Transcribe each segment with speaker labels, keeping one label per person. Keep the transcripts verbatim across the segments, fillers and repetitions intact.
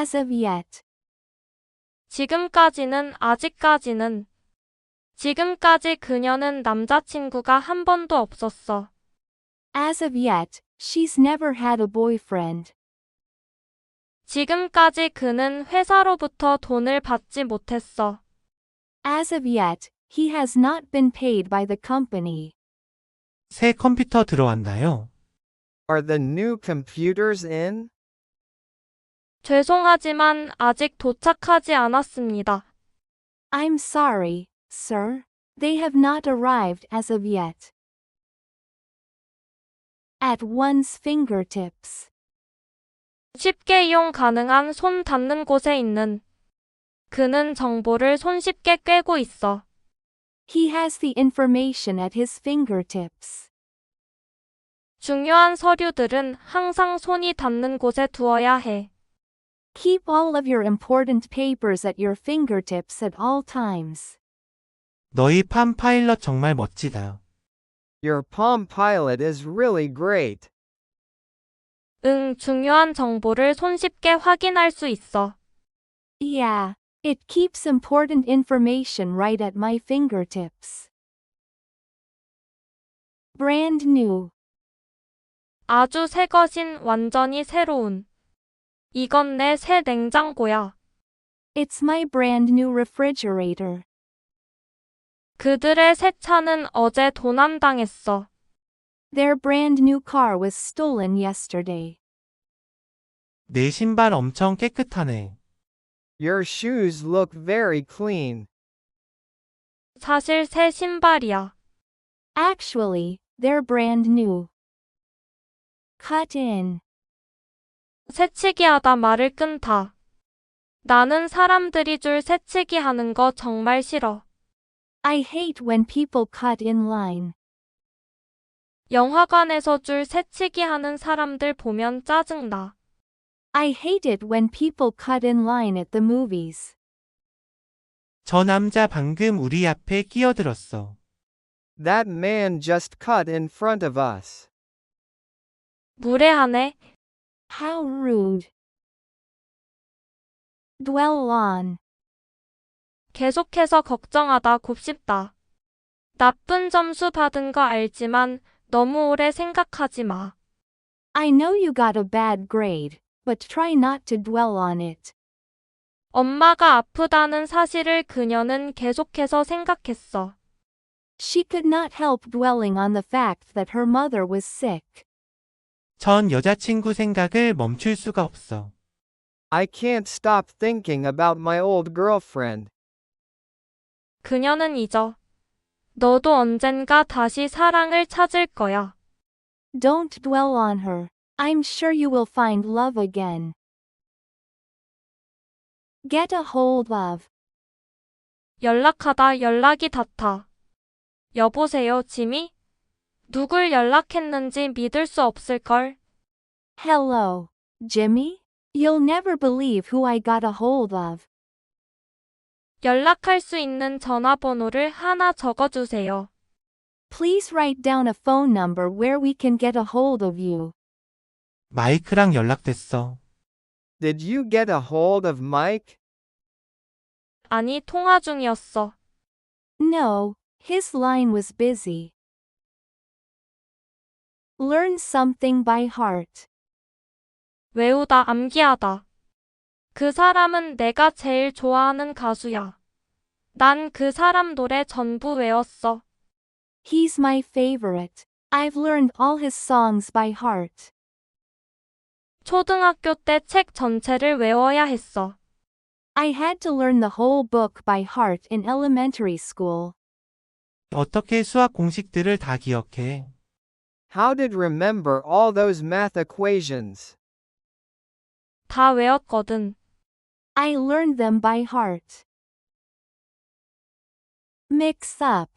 Speaker 1: As of yet.
Speaker 2: 지금까지는 아직까지는. 지금까지 그녀는 남자친구가 한 번도 없었어.
Speaker 1: As of yet, she's never had a boyfriend.
Speaker 2: 지금까지 그는 회사로부터 돈을 받지 못했어.
Speaker 1: As of yet, he has not been paid by the company.
Speaker 3: 새 컴퓨터 들어왔나요?
Speaker 4: Are the new computers in?
Speaker 2: 죄송하지만 아직 도착하지 않았습니다.
Speaker 1: I'm sorry, sir. They have not arrived as of yet. At one's fingertips.
Speaker 2: 쉽게 이용 가능한 손 닿는 곳에 있는. 그는 정보를 손쉽게 꿰고 있어.
Speaker 1: He has the information at his fingertips.
Speaker 2: 중요한 서류들은 항상 손이 닿는 곳에 두어야 해.
Speaker 1: Keep all of your important papers at your fingertips at all times.
Speaker 3: 너희 팜 파일럿 정말 멋지다.
Speaker 4: Your Palm Pilot is really great.
Speaker 2: 응, 중요한 정보를 손쉽게 확인할 수 있어.
Speaker 1: Yeah, it keeps important information right at my fingertips. Brand new.
Speaker 2: 아주 새 것인 완전히 새로운. 이건 내 새 냉장고야.
Speaker 1: It's my brand new refrigerator.
Speaker 2: 그들의 새 차는 어제 도난당했어.
Speaker 1: Their brand new car was stolen yesterday.
Speaker 3: 내 신발 엄청 깨끗하네.
Speaker 4: Your shoes look very clean.
Speaker 2: 사실 새 신발이야.
Speaker 1: Actually, they're brand new. Cut in.
Speaker 2: 새치기 하다 말을 끊다. 나는 사람들이 줄 새치기 하는 거 정말 싫어.
Speaker 1: I hate when people cut in line.
Speaker 2: 영화관에서 줄 새치기 하는 사람들 보면 짜증나.
Speaker 1: I hate it when people cut in line at the movies.
Speaker 3: 저 남자 방금 우리 앞에 끼어들었어.
Speaker 4: That man just cut in front of us.
Speaker 2: 무례하네.
Speaker 1: How rude. Dwell on.
Speaker 2: 계속해서 걱정하다 곱씹다. 나쁜 점수 받은 거 알지만 너무 오래 생각하지 마.
Speaker 1: I know you got a bad grade, but try not to dwell on it.
Speaker 2: 엄마가 아프다는 사실을 그녀는 계속해서 생각했어.
Speaker 1: She could not help dwelling on the fact that her mother was sick.
Speaker 3: 전 여자친구 생각을 멈출 수가 없어.
Speaker 4: I can't stop thinking about my old girlfriend.
Speaker 2: 그녀는 잊어. 너도 언젠가 다시 사랑을 찾을 거야.
Speaker 1: Don't dwell on her. I'm sure you will find love again. Get a hold of.
Speaker 2: 연락하다 연락이 닿다. 여보세요, 지미? 누굴 연락했는지 믿을 수 없을걸.
Speaker 1: Hello, Jimmy? You'll never believe who I got a hold of.
Speaker 2: 연락할 수 있는 전화번호를 하나 적어주세요.
Speaker 1: Please write down a phone number where we can get a hold of you.
Speaker 3: 마이크랑 연락됐어.
Speaker 4: Did you get a hold of Mike?
Speaker 2: 아니, 통화 중이었어.
Speaker 1: No, his line was busy. Learn something by heart.
Speaker 2: 외우다 암기하다. 그 사람은 내가 제일 좋아하는 가수야. 난 그 사람 노래 전부 외웠어.
Speaker 1: He's my favorite. I've learned all his songs by heart.
Speaker 2: 초등학교 때 책 전체를 외워야 했어.
Speaker 1: I had to learn the whole book by heart in elementary school.
Speaker 3: 어떻게 수학 공식들을 다 기억해?
Speaker 4: How did remember all those math equations?
Speaker 2: 다 외웠거든.
Speaker 1: I learned them by heart. Mix up.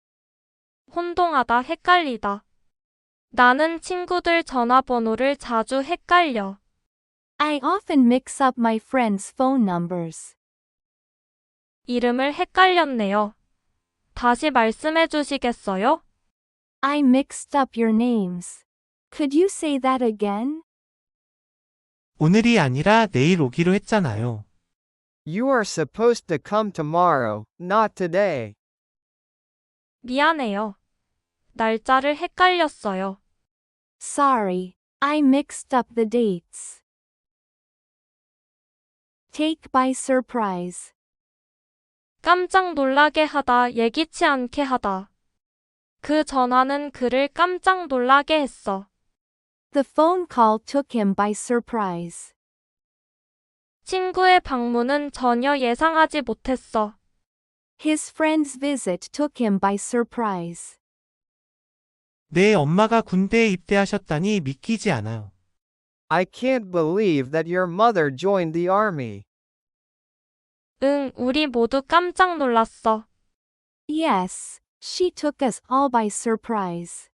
Speaker 2: 혼동하다 헷갈리다. 나는 친구들 전화번호를 자주 헷갈려.
Speaker 1: I often mix up my friends' phone numbers.
Speaker 2: 이름을 헷갈렸네요. 다시 말씀해 주시겠어요?
Speaker 1: I mixed up your names. Could you say that again?
Speaker 3: 오늘이 아니라 내일 오기로 했잖아요.
Speaker 4: You are supposed to come tomorrow, not today.
Speaker 2: 미안해요. 날짜를 헷갈렸어요.
Speaker 1: Sorry, I mixed up the dates. Take by surprise.
Speaker 2: 깜짝 놀라게 하다, 예기치 않게 하다. 그 전화는 그를 깜짝 놀라게 했어.
Speaker 1: The phone call took him by surprise.
Speaker 2: 친구의 방문은 전혀 예상하지 못했어.
Speaker 1: His friend's visit took him by surprise.
Speaker 3: 내 엄마가 군대에 입대하셨다니 믿기지 않아요.
Speaker 4: I can't believe that your mother joined the army.
Speaker 2: 응, 우리 모두 깜짝 놀랐어.
Speaker 1: Yes, she took us all by surprise.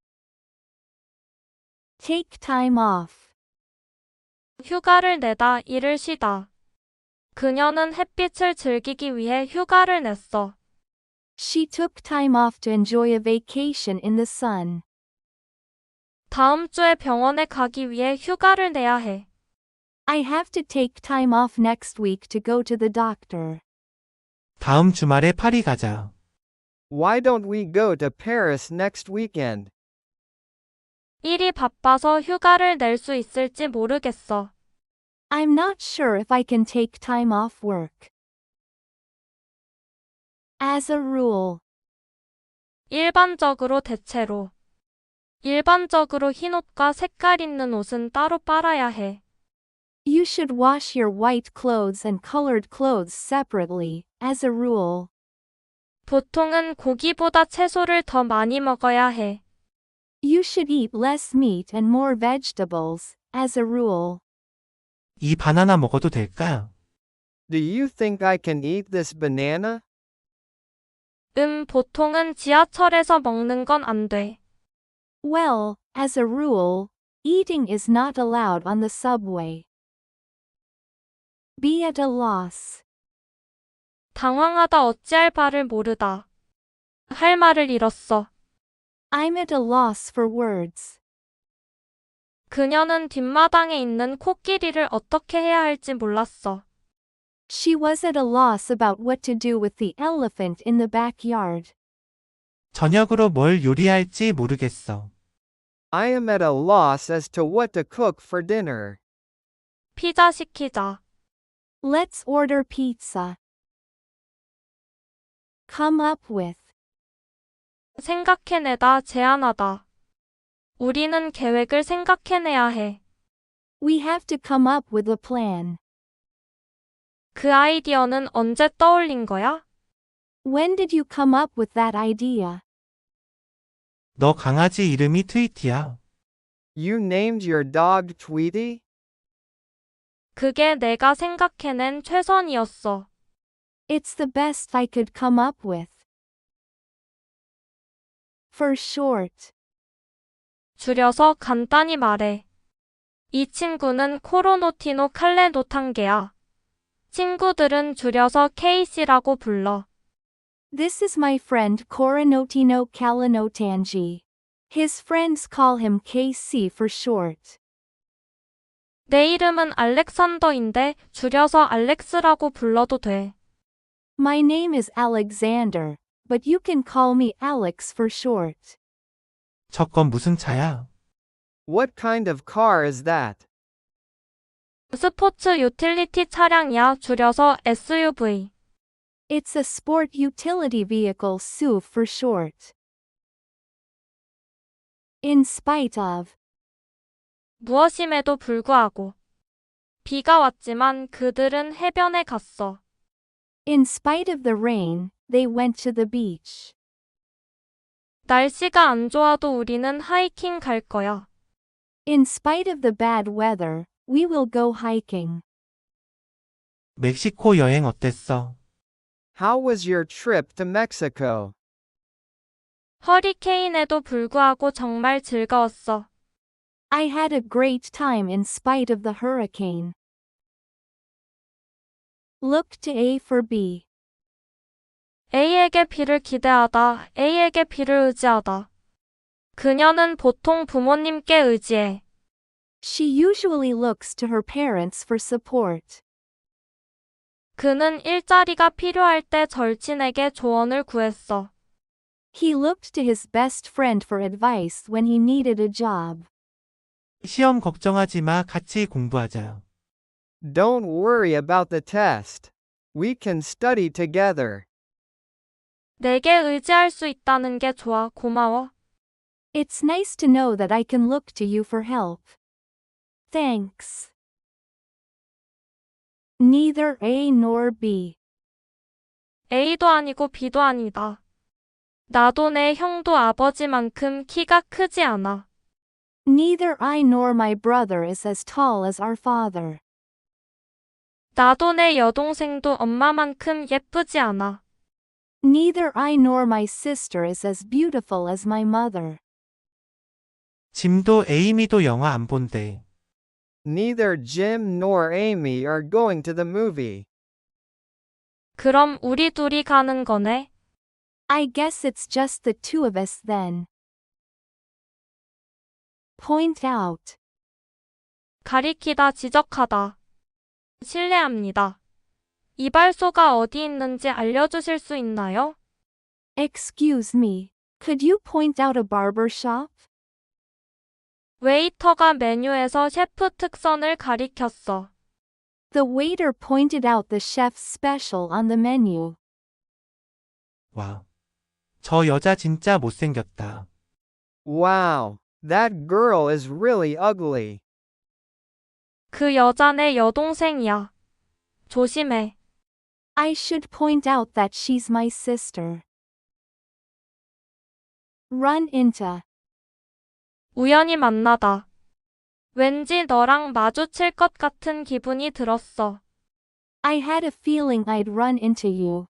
Speaker 1: Take time off.
Speaker 2: 휴가를 내다, 일을 쉬다. 그녀는 햇빛을 즐기기 위해 휴가를 냈어.
Speaker 1: She took time off to enjoy a vacation in the sun.
Speaker 2: 다음 주에 병원에 가기 위해 휴가를 내야 해.
Speaker 1: I have to take time off next week to go to the doctor.
Speaker 3: 다음 주말에 파리 가자.
Speaker 4: Why don't we go to Paris next weekend?
Speaker 2: 일이 바빠서 휴가를 낼 수 있을지 모르겠어.
Speaker 1: I'm not sure if I can take time off work. As a rule.
Speaker 2: 일반적으로 대체로. 일반적으로 흰 옷과 색깔 있는 옷은 따로 빨아야 해.
Speaker 1: You should wash your white clothes and colored clothes separately, as a rule.
Speaker 2: 보통은 고기보다 채소를 더 많이 먹어야 해.
Speaker 1: You should eat less meat and more vegetables, as a rule.
Speaker 3: 이 바나나 먹어도 될까?
Speaker 4: Do you think I can eat this banana?
Speaker 2: 음, 보통은 지하철에서 먹는 건 안 돼.
Speaker 1: Well, as a rule, eating is not allowed on the subway. Be at a loss.
Speaker 2: 당황하다, 어찌할 바를 모르다. 할 말을 잃었어.
Speaker 1: I'm at a loss for words.
Speaker 2: 그녀는 뒷마당에 있는 코끼리를 어떻게 해야 할지 몰랐어.
Speaker 1: She was at a loss about what to do with the elephant in the backyard.
Speaker 3: 저녁으로 뭘 요리할지 모르겠어.
Speaker 4: I am at a loss as to what to cook for dinner.
Speaker 2: 피자 시키자.
Speaker 1: Let's order pizza. Come up with.
Speaker 2: 생각해내다, 제안하다. 우리는 계획을 생각해내야 해.
Speaker 1: We have to come up with a plan.
Speaker 2: 그 아이디어는 언제 떠올린 거야?
Speaker 1: When did you come up with that idea?
Speaker 3: 너 강아지 이름이 트위티야.
Speaker 4: You named your dog Tweety?
Speaker 2: 그게 내가 생각해낸 최선이었어.
Speaker 1: It's the best I could come up with. For short.
Speaker 2: 줄여서 간단히 말해. 이 친구는 코로노티노 칼레노탄게야. 친구들은 줄여서 케이씨라고 불러.
Speaker 1: This is my friend Coronotino Calinotangi. His friends call him K C for short.
Speaker 2: 내 이름은 알렉산더인데 줄여서 알렉스라고 불러도 돼.
Speaker 1: My name is Alexander, but you can call me Alex for short.
Speaker 3: 저건 무슨 차야?
Speaker 4: What kind of car is that?
Speaker 2: 스포츠 유틸리티 차량이야. 줄여서 에스유브이.
Speaker 1: It's a sport utility vehicle S U V for short. In spite of.
Speaker 2: 무엇임에도 불구하고. 비가 왔지만 그들은 해변에 갔어.
Speaker 1: In spite of the rain, they went to the beach.
Speaker 2: 날씨가 안 좋아도 우리는 하이킹 갈 거야.
Speaker 1: In spite of the bad weather, we will go hiking.
Speaker 3: 멕시코 여행 어땠어?
Speaker 4: How was your trip to Mexico?
Speaker 2: 허리케인에도 불구하고 정말 즐거웠어.
Speaker 1: I had a great time in spite of the hurricane. Look to A for B.
Speaker 2: A에게 B를 기대하다, A에게 B를 의지하다. 그녀는 보통 부모님께 의지해.
Speaker 1: She usually looks to her parents for support.
Speaker 2: 그는 일자리가 필요할 때 절친에게 조언을 구했어.
Speaker 1: He looked to his best friend for advice when he needed a job.
Speaker 3: 시험 걱정하지 마. 같이 공부하자.
Speaker 4: Don't worry about the test. We can study together.
Speaker 2: 내게 의지할 수 있다는 게 좋아. 고마워.
Speaker 1: It's nice to know that I can look to you for help. Thanks. Neither A nor B.
Speaker 2: A도 아니고 B도 아니다. 나도 내 형도 아버지만큼 키가 크지 않아.
Speaker 1: Neither I nor my brother is as tall as our father.
Speaker 2: 나도 내 여동생도 엄마만큼 예쁘지 않아.
Speaker 1: Neither I nor my sister is as beautiful as my mother.
Speaker 3: 짐도 에이미도 영화 안 본대.
Speaker 4: Neither Jim nor Amy are going to the movie.
Speaker 2: 그럼 우리 둘이 가는 거네.
Speaker 1: I guess it's just the two of us then. Point out.
Speaker 2: 가리키다, 지적하다. 실례합니다. 이발소가 어디 있는지 알려주실 수 있나요?
Speaker 1: Excuse me. Could you point out a barber shop?
Speaker 2: 웨이터가 메뉴에서 셰프 특선을 가리켰어.
Speaker 1: The waiter pointed out the chef's special on the menu.
Speaker 3: 와. 저 여자 진짜 못생겼다.
Speaker 4: Wow, that girl is really ugly.
Speaker 2: 그 여자 내 여동생이야. 조심해.
Speaker 1: I should point out that she's my sister. Run into.
Speaker 2: 우연히 만나다. 왠지 너랑 마주칠 것 같은 기분이 들었어.
Speaker 1: I had a feeling I'd run into you.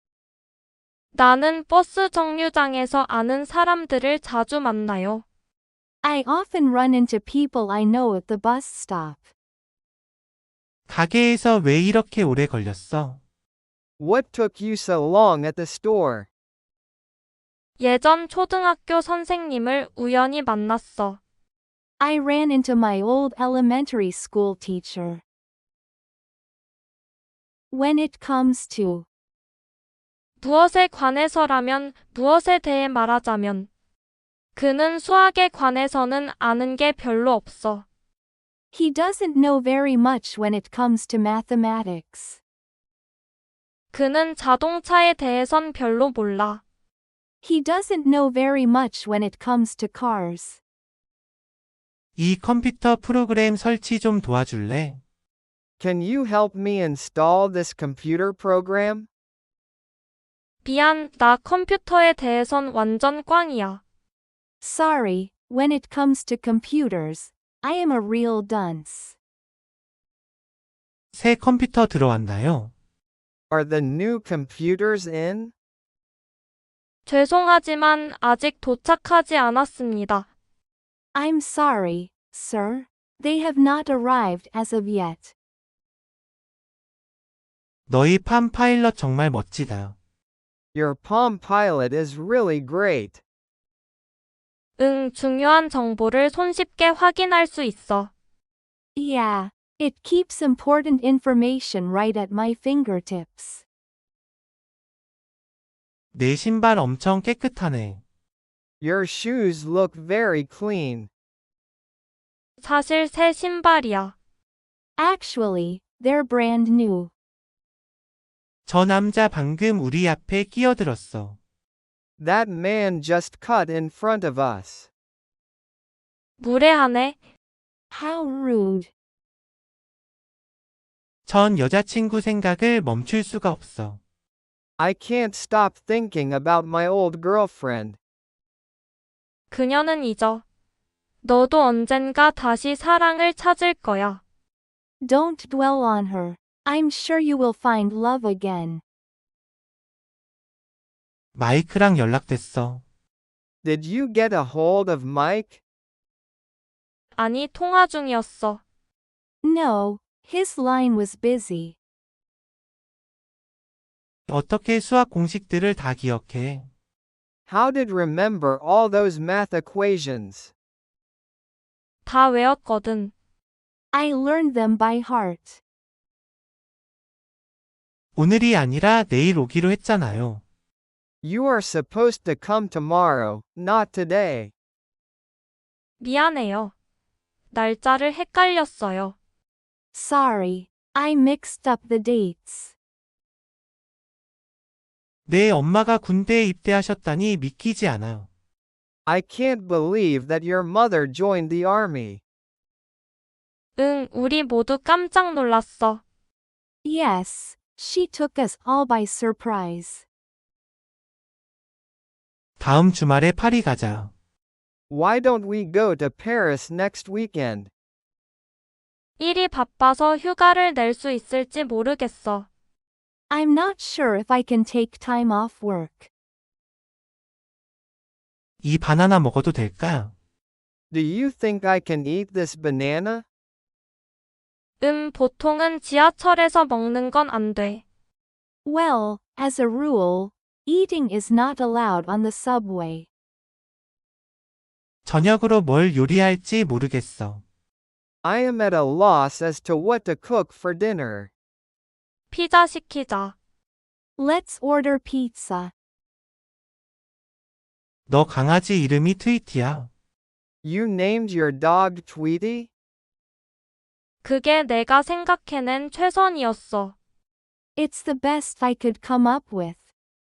Speaker 2: 나는 버스 정류장에서 아는 사람들을 자주 만나요.
Speaker 1: I often run into people I know at the bus stop.
Speaker 3: 가게에서 왜 이렇게 오래 걸렸어?
Speaker 4: What took you so long at the store?
Speaker 2: 예전 초등학교 선생님을 우연히 만났어.
Speaker 1: I ran into my old elementary school teacher. When it comes to.
Speaker 2: 무엇에 관해서라면, 무엇에 대해 말하자면. 그는 수학에 관해서는 아는 게 별로 없어.
Speaker 1: He doesn't know very much when it comes to mathematics.
Speaker 2: 그는 자동차에 대해선 별로 몰라.
Speaker 1: He doesn't know very much when it comes to cars.
Speaker 3: 이 컴퓨터 프로그램 설치 좀 도와줄래?
Speaker 4: Can you help me install this computer program?
Speaker 2: 미안, 나 컴퓨터에 대해선 완전 꽝이야.
Speaker 1: Sorry, when it comes to computers, I am a real dunce.
Speaker 3: 새 컴퓨터 들어왔나요?
Speaker 4: Are the new computers in?
Speaker 2: 죄송하지만 아직 도착하지 않았습니다.
Speaker 1: I'm sorry, sir. They have not arrived as of yet.
Speaker 3: 너희 팜 파일럿 정말 멋지다.
Speaker 4: Your Palm Pilot is really great.
Speaker 2: 응, 중요한 정보를 손쉽게 확인할 수 있어.
Speaker 1: Yeah, it keeps important information right at my fingertips.
Speaker 3: 내 신발 엄청 깨끗하네.
Speaker 4: Your shoes look very clean.
Speaker 2: 사실 새 신발이야.
Speaker 1: Actually, they're brand new.
Speaker 3: 저 남자 방금 우리 앞에 끼어들었어.
Speaker 4: That man just cut in front of us.
Speaker 2: 무례하네.
Speaker 1: How rude.
Speaker 3: 전 여자친구 생각을 멈출 수가 없어.
Speaker 4: I can't stop thinking about my old girlfriend.
Speaker 2: 그녀는 잊어. 너도 언젠가 다시 사랑을 찾을 거야.
Speaker 1: Don't dwell on her. I'm sure you will find love again.
Speaker 3: 마이크랑 연락됐어.
Speaker 4: Did you get a hold of Mike?
Speaker 2: 아니, 통화 중이었어.
Speaker 1: No, his line was busy.
Speaker 3: 어떻게 수학 공식들을 다 기억해?
Speaker 4: How did remember all those math equations?
Speaker 2: 다 외웠거든.
Speaker 1: I learned them by heart.
Speaker 3: 오늘이 아니라 내일 오기로 했잖아요.
Speaker 4: You are supposed to come tomorrow, not today.
Speaker 2: 미안해요. 날짜를 헷갈렸어요.
Speaker 1: Sorry, I mixed up the dates.
Speaker 3: 내 엄마가 군대에 입대하셨다니 믿기지 않아요.
Speaker 4: I can't believe that your mother joined the army.
Speaker 2: 응, 우리 모두 깜짝 놀랐어.
Speaker 1: Yes, she took us all by surprise.
Speaker 3: 다음 주말에 파리 가자.
Speaker 4: Why don't we go to Paris next weekend?
Speaker 2: 일이 바빠서 휴가를 낼 수 있을지 모르겠어.
Speaker 1: I'm not sure if I can take time off work.
Speaker 3: 이 바나나 먹어도 될까?
Speaker 4: Do you think I can eat this banana?
Speaker 2: 음, 보통은 지하철에서 먹는 건 안 돼.
Speaker 1: Well, as a rule, eating is not allowed on the subway.
Speaker 3: 저녁으로 뭘 요리할지 모르겠어.
Speaker 4: I am at a loss as to what to cook for dinner.
Speaker 2: 피자 시키자.
Speaker 1: Let's order pizza.
Speaker 3: 너 강아지 이름이 트위티야.
Speaker 4: You named your dog Tweety?
Speaker 2: 그게 내가 생각해낸 최선이었어.
Speaker 1: It's the best I could come up with.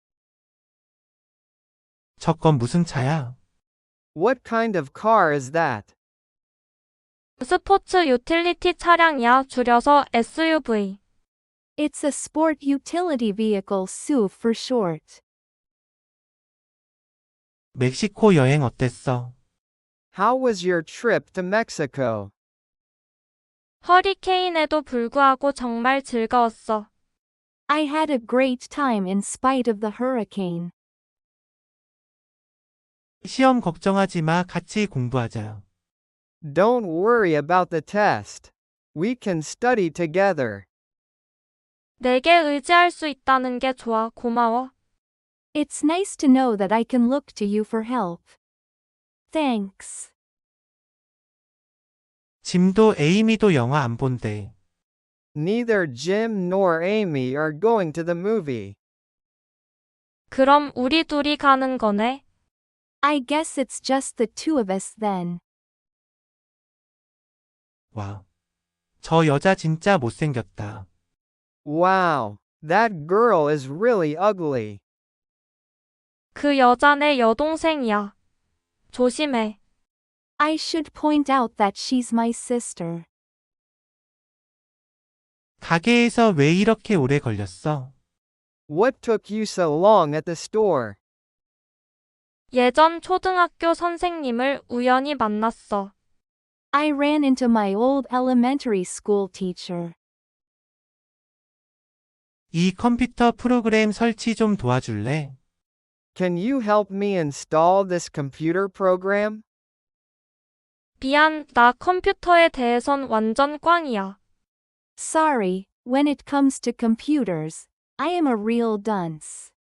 Speaker 3: 저건 무슨 차야?
Speaker 4: What kind of car is that?
Speaker 2: 스포츠 유틸리티 차량이야, 줄여서 에스유브이.
Speaker 1: It's a sport utility vehicle S U V for short.
Speaker 3: 멕시코 여행 어땠어?
Speaker 4: How was your trip to Mexico?
Speaker 2: 허리케인에도 불구하고 정말 즐거웠어.
Speaker 1: I had a great time in spite of the hurricane.
Speaker 3: 시험 걱정하지 마. 같이 공부하자.
Speaker 4: Don't worry about the test. We can study together.
Speaker 2: 내게 의지할 수 있다는 게 좋아, 고마워.
Speaker 1: It's nice to know that I can look to you for help. Thanks.
Speaker 3: 짐도 에이미도 영화 안 본대.
Speaker 4: Neither Jim nor Amy are going to the movie.
Speaker 2: 그럼 우리 둘이 가는 거네.
Speaker 1: I guess it's just the two of us then.
Speaker 3: 와. 저 여자 진짜 못생겼다.
Speaker 4: Wow, that girl is really ugly.
Speaker 2: 그 여자 내 여동생이야. 조심해.
Speaker 1: I should point out that she's my sister.
Speaker 3: 가게에서 왜 이렇게 오래 걸렸어?
Speaker 4: What took you so long at the store?
Speaker 2: 예전 초등학교 선생님을 우연히 만났어.
Speaker 1: I ran into my old elementary school teacher.
Speaker 3: 이 컴퓨터 프로그램 설치 좀 도와줄래?
Speaker 4: Can you help me install this computer program?
Speaker 2: 미안, 나 컴퓨터에 대해선 완전 꽝이야.
Speaker 1: Sorry, when it comes to computers, I am a real dunce.